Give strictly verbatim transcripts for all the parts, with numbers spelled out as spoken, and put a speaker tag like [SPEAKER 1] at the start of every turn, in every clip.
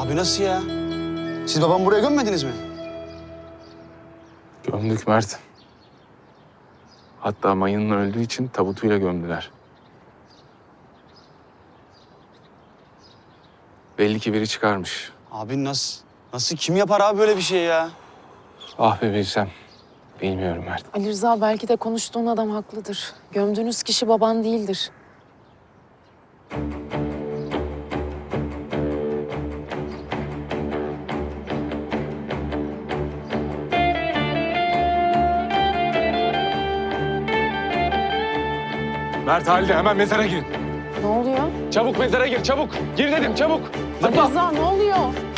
[SPEAKER 1] Abi nasıl ya? Siz babamı buraya gömmediniz mi?
[SPEAKER 2] Gömdük Mert. Hatta mayının öldüğü için tabutuyla gömdüler. Belli ki biri çıkarmış.
[SPEAKER 1] Abi nasıl? Nasıl kim yapar abi böyle bir şey ya?
[SPEAKER 2] Ah be bilsem. Bilmiyorum Mert.
[SPEAKER 3] Ali Rıza belki de konuştuğun adam haklıdır. Gömdüğünüz kişi baban değildir.
[SPEAKER 2] Mert Halide hemen mezara girin.
[SPEAKER 3] Ne oluyor?
[SPEAKER 2] Çabuk mezara gir çabuk. Gir dedim çabuk.
[SPEAKER 3] Ali
[SPEAKER 2] Zıpla.
[SPEAKER 3] Rıza ne oluyor?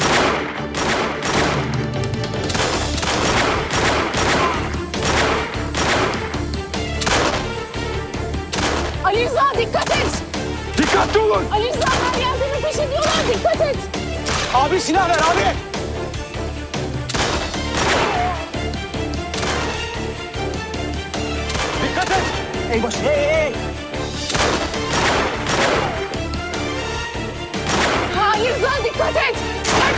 [SPEAKER 3] Ali Rıza dikkat et!
[SPEAKER 2] Dikkatli olun.
[SPEAKER 3] Ali Rıza her yerde nefes ediyorlar, dikkat et!
[SPEAKER 1] Abi silah ver abi.
[SPEAKER 2] Dikkat et.
[SPEAKER 1] Ey baş, hey hey.
[SPEAKER 3] Ali Rıza dikkat et! Kaç!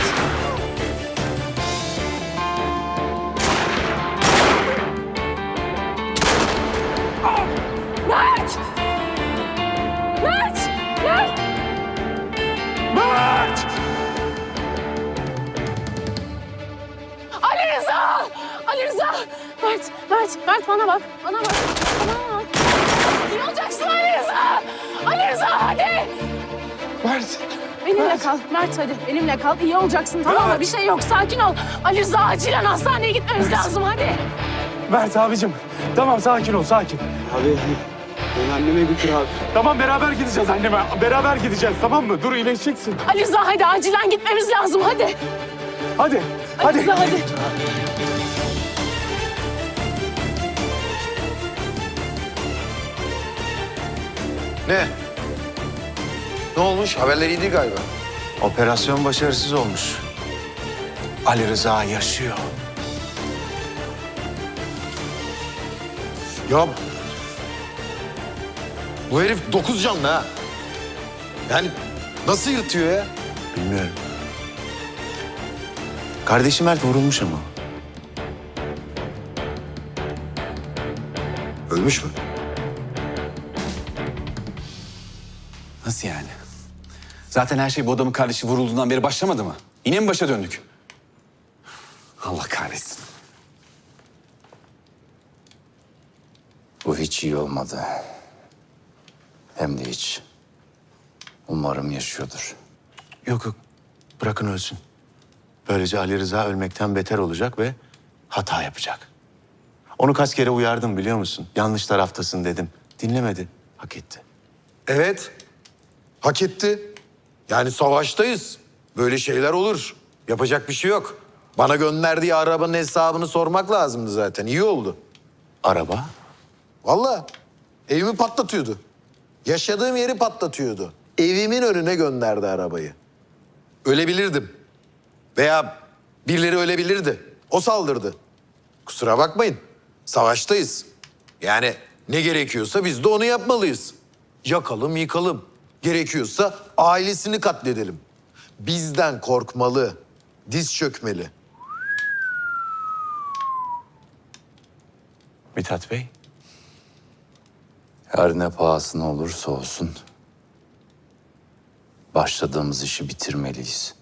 [SPEAKER 3] Mert! Mert! Mert!
[SPEAKER 2] Mert!
[SPEAKER 3] Ali Rıza! Ali Rıza! Mert, Mert, Mert bana bak, bana bak, bana bak. İyi olacaksın Ali Rıza! Ali Rıza hadi!
[SPEAKER 2] Mert!
[SPEAKER 3] Benimle kal, Mert hadi. Benimle kal, iyi olacaksın tamam mı? Bir şey yok, sakin ol. Ali Rıza acilen hastaneye gitmemiz lazım hadi.
[SPEAKER 2] Mert abicim. Tamam sakin ol sakin.
[SPEAKER 1] Abi beni anneme götür abi.
[SPEAKER 2] Tamam beraber gideceğiz anneme. Beraber gideceğiz tamam mı? Dur iyileşeceksin.
[SPEAKER 3] Ali Rıza hadi acilen gitmemiz lazım hadi.
[SPEAKER 2] Hadi.
[SPEAKER 3] Ali
[SPEAKER 2] Hadi.
[SPEAKER 3] Rıza hadi.
[SPEAKER 4] Ne? Ne olmuş? Haberler iyi değil galiba.
[SPEAKER 5] Operasyon başarısız olmuş. Ali Rıza yaşıyor.
[SPEAKER 4] Ya bu herif dokuz canlı ha. Yani nasıl yırtıyor ya?
[SPEAKER 5] Bilmiyorum. Kardeşim Mert vurulmuş ama.
[SPEAKER 4] Ölmüş mü?
[SPEAKER 6] Nasıl yani? Zaten her şey bu adamın kardeşi vurulduğundan beri başlamadı mı? Yine mi başa döndük? Allah kahretsin.
[SPEAKER 7] Bu hiç iyi olmadı. Hem de hiç. Umarım yaşıyordur.
[SPEAKER 5] Yok yok. Bırakın ölsün. Böylece Ali Rıza ölmekten beter olacak ve hata yapacak. Onu kaç kere uyardım biliyor musun? Yanlış taraftasın dedim. Dinlemedi. Hak etti.
[SPEAKER 4] Evet. Hak etti. Yani savaştayız. Böyle şeyler olur. Yapacak bir şey yok. Bana gönderdiği arabanın hesabını sormak lazımdı zaten. İyi oldu.
[SPEAKER 5] Araba?
[SPEAKER 4] Vallahi evimi patlatıyordu. Yaşadığım yeri patlatıyordu. Evimin önüne gönderdi arabayı. Ölebilirdim. Veya birileri ölebilirdi. O saldırdı. Kusura bakmayın. Savaştayız. Yani ne gerekiyorsa biz de onu yapmalıyız. Yakalım, yıkalım. Gerekiyorsa ailesini katledelim. Bizden korkmalı. Diz çökmeli.
[SPEAKER 5] Mithat Bey.
[SPEAKER 7] Her ne pahasına olursa olsun başladığımız işi bitirmeliyiz.